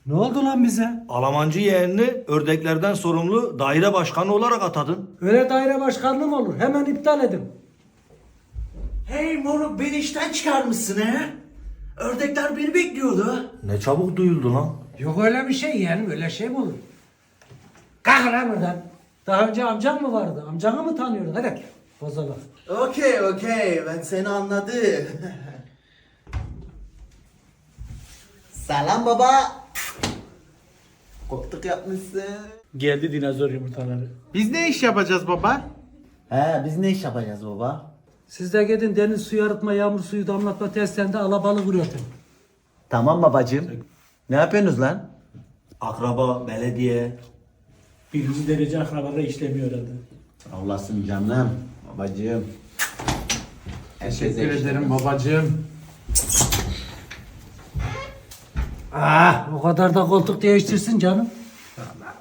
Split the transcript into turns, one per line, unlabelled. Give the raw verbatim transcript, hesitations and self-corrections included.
Ne oldu lan bize?
Almancı yeğenini ördeklerden sorumlu daire başkanı olarak atadın.
Öyle daire başkanlığı mı olur? Hemen iptal edin.
Hey moruk beni işten çıkarmışsın he? Ördekler beni bekliyordu.
Ne çabuk duyuldu lan.
Yok öyle bir şey yeğenim, öyle şey mi olur? Kalk lan buradan. Daha önce amcan mı vardı? Amcanı mı tanıyordun? Hadi bozalım.
Okey okey ben seni anladım. Selam baba. Koltuk yapmışsın.
Geldi dinozor yumurtaları.
Biz ne iş yapacağız baba?
He biz ne iş yapacağız baba?
Siz de gidin deniz suyu arıtma, yağmur suyu damlatma testlerinde alabalık üretin.
Tamam babacığım. Ne yapıyorsunuz lan?
Akraba, belediye.
Birinci derece akrabalar işlemiyor herhalde.
Allah'sın canım. Babacığım.
Teşekkür ederim babacığım.
Ah, o kadar da koltuk değiştirsin canım.
Vallahi